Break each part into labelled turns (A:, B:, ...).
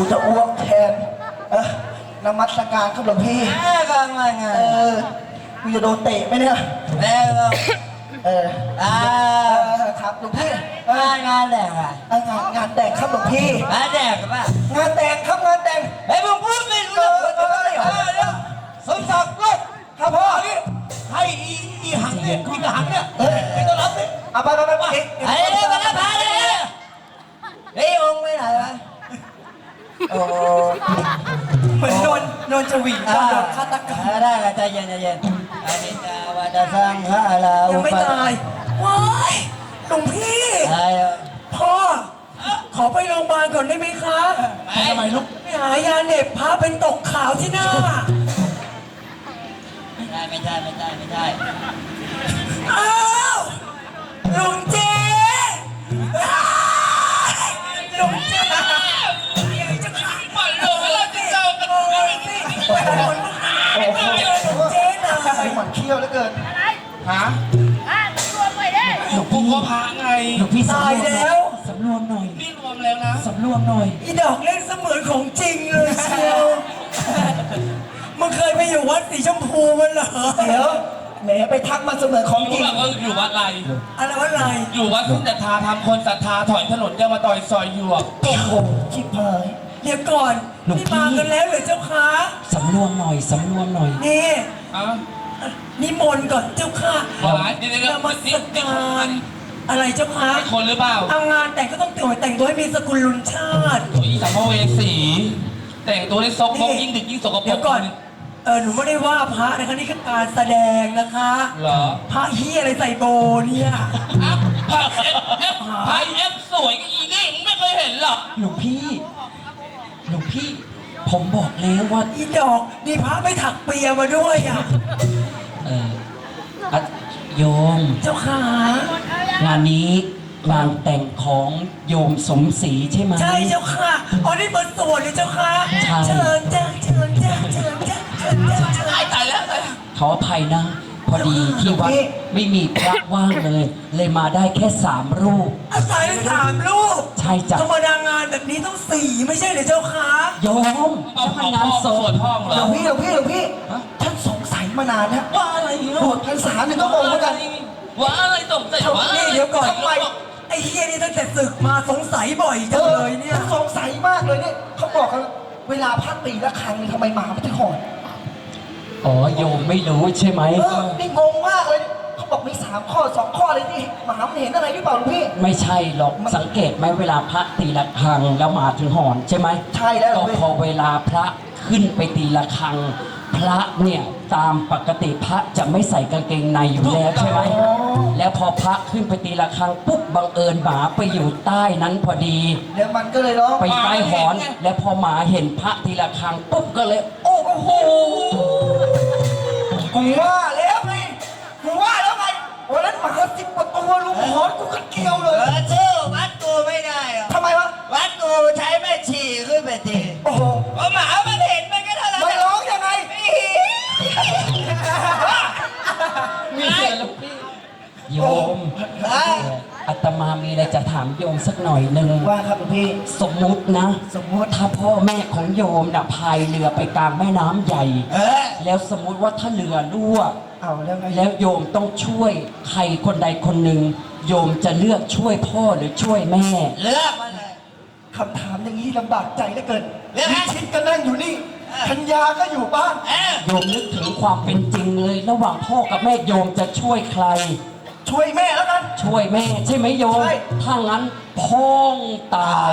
A: จะอ้วกแทนนมัสการครับหลวงพี่
B: ก็มาไง
A: กูจะโดนเตะไหมเนี่ยครับหลวงพี่
B: งานแต่งอะ
A: งานแต่งครับหลวงพี่
B: งานแต่งป่ะ
A: งานแต่งครับงานแต่ง
B: ไอ้มึงพูดไม่รู้เรื่องสมศักดิ์ลูก
A: ครับพ่อ
B: ให้อีหังเนี่ยอีกหังเนี่ยไม่ต้องรับเลย
A: เอาไป
B: ไอ้เนี่ยมาแล้วพาเลยไอ้องค์ไม่ไหนวะ
A: โอ้เหมือนโดนจวีโดนฆาตกรรม
B: ได้ใจเย็นอานิจจาวัฏสังขาร
A: ยังไม่ตายว้ายหลวงพี่พ่อขอไปโรงพยาบาลก่อนได้ไหมคะ
B: ทำไมลูก
A: ไปหายาเหน็บพาเป็นตกขาวที่หน้า
B: ไม่ได้
A: อ้าวลุงเจลุงเจจะขายหมดเลยแล้วจะเจอกันเลยโอ้โหลุงเจน่ะหมันเขี้ยวเหลือเกิน
C: ฮะ
D: รวมไปได้
C: หลวงพ่อพระไง
A: หลวงพี่ตายแล้วสำรวมหน่อย
C: นี่รวมแล้วนะ
A: สำรวมหน่อยอีดอกเล่นเสมือนของจริงเลยเชียวมึงเคยไปอยู่วัดสีชมพูมันเหรอเดี๋ยวแหมไปทักมาเสมือนของจริง
C: อยู่วัดอะไร
A: วัดอะไร
C: อยู่วัดทุ่งศรัทธาทำคนศรัทธาถอยถนนจะมาต่อยซอยหยวก
A: โอ้โหชิบหายเดี๋ยวก่อนนี่มากันแล้วเหรอเจ้าคะ
B: สำรวมหน่อย
A: นี่นิมนต์ก่อนเจ้าค่ะ
C: มา
A: สักการอะไรเจ้าคะ
C: คนหรือเปล่า
A: ทำงานแต่งก็ต้องแต่งตัวให้มีสกุลลุนชาติ
C: สัมภเวสีแต่งตัวให้ซกมกยิ่งดึกยิ่งสกปรก
A: เดี๋ยวก่อนหนูไม่ได้ว่าพระนะคะนี่คือการแสดงนะคะ
C: เหรอ
A: พระเฮียอะไรใส่โบเนี่ย
C: พระเอฟสวยก็อีนี่มึงไม่เคยเห็นหรอก
B: หลวงพี่ผมบอกแล้วว่า
A: อีดอกดีพระไม่ถักเปียมาด้วย
B: โยม
A: เจ้าข
B: างานนี้งานแต่งของโยมสมศรีใช่ไหม
A: ใช่เจ้าค่ะอ๋อนี่เปิดสวนเลยเจ้าค่ะเชิญจ้า
C: ตายแล้ว
B: ขออภัยนะพอดีที่วัดไม่มีพระว่างเลยมาได้แค่3 รูป
A: อาศัย3 รูป
B: ใช่จ้ะ
A: ธรรมดางานแบบนี้ต้อง4ไม่ใช่เหรอเจ้าค่ะ
B: โยม
C: เอางานศพห้องเหรอ
A: หลวงพี่ท่านสงสัยมานานแล้ว
C: ว่าอะไร
A: โบสถ์พรรษาเนี่ยต้องมองเหมือนกัน
C: ว่าอะไรสงสัยว่า
A: นี่เดี๋ยวก่อนไอ้เฮียนี่ตั้งแต่ศึกมาสงสัยบ่อยจังเลยเนี่ยสงสัยมากเลยเนี่ยเขาบอกกันเวลาพระตีละครั้งนี่ทำไมหมาไม่ถึงหอน
B: อ๋อโยมไม่รู้ใช่ไหม
A: นี่งงมากเลยเขาบอกมี3 ข้อ 2 ข้อเลยนี่หมามันเห็นอะไรหรือเปล่าลุงพี่
B: ไม่ใช่หรอกสังเกตไหมเวลาพระตีละครั้งแล้วหมาถึงหอนใช่ไหม
A: ใช่แล้ว
B: ก็พอเวลาพระขึ้นไปตีละครั้งพระเนี่ยตามปกติพระจะไม่ใส่กางเกงในอยู่แล้วใช่ไหมแล้วพอพระขึ้นไปตีละครั้งปุ๊บบังเอิญหมาไปอยู่ใต้นั้นพอดี
A: แล้วมันก็เลยร้อง
B: ไปใต้หอนแล้วพอหมาเห็นพระตีละครั้งปุ๊บก็เลยโอ้โห
A: กูว่าแล้วไงวันนั้นหมา10 กว่าตัวลุงหอนกูก็เกี่ยวเลย
B: ชื่อวัดกูไม่ได้หรอ
A: ทำไมวะ
B: วัดกูใช้แม่ชีขึ้นไปตี
A: โอ้โห
B: หมามันเห็นมันก็เท่านั้น
A: มันร้องยังไง
B: มีเสียงลูกพี่โยมอาตมามีอะไรจะถามโยมสักหน่อยหนึ่ง
A: ว่าครับพี่
B: สมมุติถ้าพ่อแม่ของโยมน่ะพายเรือไปกลางแม่น้ำใหญ่แล้วสมมุติว่าถ้าเรือรั่วแล้วโยมต้องช่วยใครคนใดคนหนึ่งโยมจะเลือกช่วยพ่อหรือช่วยแม่
A: เลือกมาเลยคำถามอย่างนี้ลำบากใจเหลือเกินนิชิตก็นั่งอยู่นี่ธัญญาก็อยู่บ้าน
B: โยมนึกถึงความเป็นจริงเลยระหว่างพ่อกับแม่โยมจะช่วยใคร
A: ช่วยแม่แล้วกัน
B: ช่วยแม่ใช่ไหมโยมถ้างั้นพ้องตาย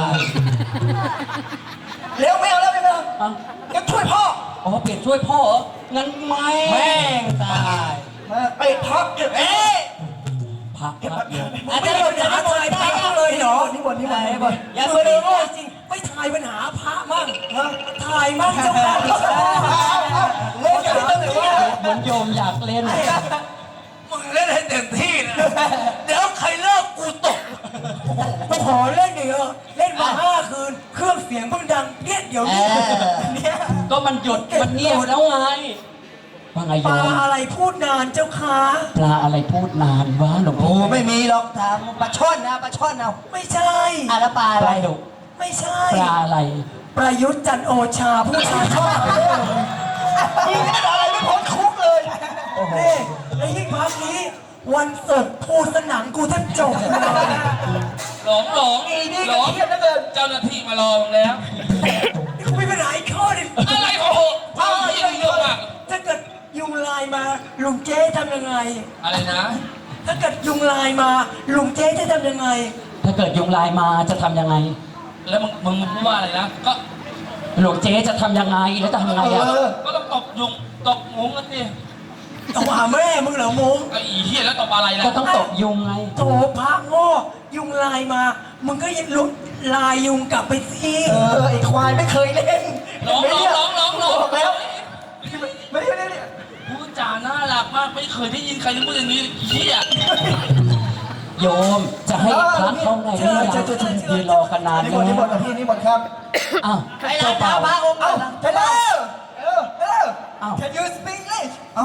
A: เร็วไม่เอาแล้วงั้นช่วยพ่อ
B: เปลี่ยนช่วยพ่องั้นแม่งตาย
A: ไปพัก
B: พัก
A: อาจารย์จะหาถ่ายพระเลยเหรอนี่วันอย่าไปเลยจริงไม่ถ่ายปัญหาพระมั่งถ่ายมั่งเจ้าค่ะเล่นกันตั้งแต่ว่า
B: เหมือนโยมอยากเล่น
C: มึงเล่นให้เต็มที่นะเดี๋ยวใครเลิกกูตก
A: มาขอเล่นอีกเล่นมา5 คืนเครื่องเสียงเพิ่งดังเงี้ยเดี๋ยวนี้
B: ก็มันหยุดมันเงียบแล้วไงว่าไงโยม
A: ปลาอะไรพูดนานเจ้าค่ะ
B: ปลาอะไรพูดนานวะหลวงพ่อ
A: ไม่มีหรอกถามปลาช่อนเอาไม่ใช่
B: แล้วปลาอะไร
A: ไม่ใช่
B: ปลาอะไร
A: ประยุทธ์จันทร์โอชาผู้ชายชอบมึงไม่ได้อะไรไม่พ้นคุกเลยนี่ไอ้ยิ่งพักนี้วันเสาร์พูดสนังกูแทบจบเลย
C: หลงหลง
A: อีนี่
C: หล
A: ก็
C: ง
A: เครียดเหลือเกิน
C: เจ้าหน้าที่มารอมึงแล้ว
A: นี่กูมีปัญหาอีกข้อหนึง
C: อะไรของผมพ่อที่เรื่องมาก
A: ถ้าเกิดยุงลายมาลุงเจ๊ทำยังไง
C: อะไรนะ
A: ถ้าเกิดยุงลายมาลุงเจ๊จะทำยังไง
B: ถ้าเกิดยุงลายมาจะทำยังไง
C: แล้วมึงพูดว่าอะไรนะก็
B: หลวงเจ๊จะทำยังไงแล้วจะทำยังไงอ่ะ
C: ก็ต้องตบยุงตบงงกันสิ
A: ต้องหาแม่มึงเหรอมง
C: ไอ้อีเหี้ยแล้วตบอะไรล่ะ
B: ก็ต้องตบยุงไง
A: โถพระโง่ยุงลายมา มึงก็ยังลุกลายยุงกลับไปสิไอ้ควายไม่เคยเล่น
C: หลงหลงหลงหลงหลง
A: บอกแล้วไม่ได้
C: พูดจาน่ารักมากไม่เคยได้ยินใครพูดอย่างนี้อีเหี้ย
B: โยมจะให้พระเข้าในหรือยังยืนรอกันนาน
A: นี่
B: แล้
A: หมดนี่หมด
B: ว
A: กับพี่นี่หมดครับ
B: อ้าว
A: ใคร
B: เจ้า
A: ลา
B: บ่าว
A: พระองค์เอ้า hello hello
B: อ้าว
A: can you speak English
B: อ้าว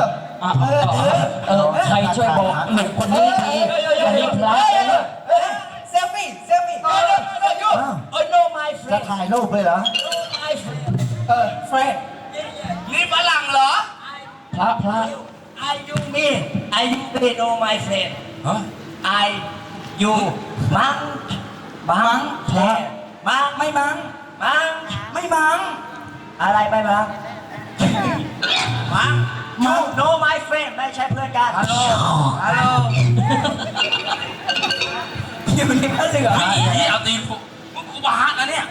B: ใครช่วยบอกหนุ่มคนนี้ทีอันนี้พระ
A: เซลฟี่oh no my
E: จะ
A: friend
E: ถ่ายรูปเลยเหรอ
A: my friend friend
C: นี่ฝรั่งเหรอ
B: พระ
A: I you me I you me no my friend
C: ฮะ
A: I you มังมัง
B: พระ
A: มังไม่มังมังไม่มังอะไรไม่มังมัง no no my friend ไม่ใช่เพื่อนกัน
C: ฮัลโหล
A: ฮัลโหลอยู่ในพระเหลือง
C: ไอ้อีเหี้ยเอาตีนมึงกูบาดนะเนี่ย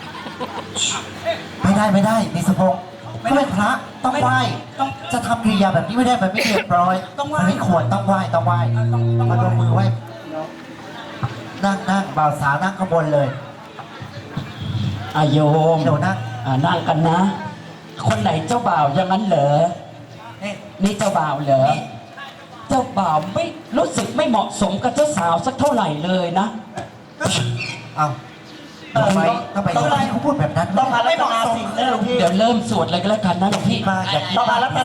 E: ไม่ได้มีสะพงเขาเป็นพระต้องไหว้จะทำกิริยาแบบนี้ไม่ได้มันไม่เรียบร้อยมันไม่ควรต้องไหว้มาลงมือไหว้นั่งบ่าวสาวนั่งข้างบนเลย
B: อาโยม
E: เดี๋ยวนั่ง
B: นั่งกันนะ คนไหนเจ้าบ่าวอย่างนั้นเหรอ นี่เจ้าบ่าวเหรอ เจ้าบ่าวไม่รู้สึกไม่เหมาะสมกับเจ้าสาวสักเท่าไหร่เลยนะ
E: เอาทำไมเขาพูดแบบนั้น
A: ต้องมาไม่เหมาะสมนะหลวงพี่
B: เดี๋ยวเริ่มสวดเลยก็แล้วกันนะหลวงพี่
E: มาอย่างนี้
A: ต้องมาแล้ว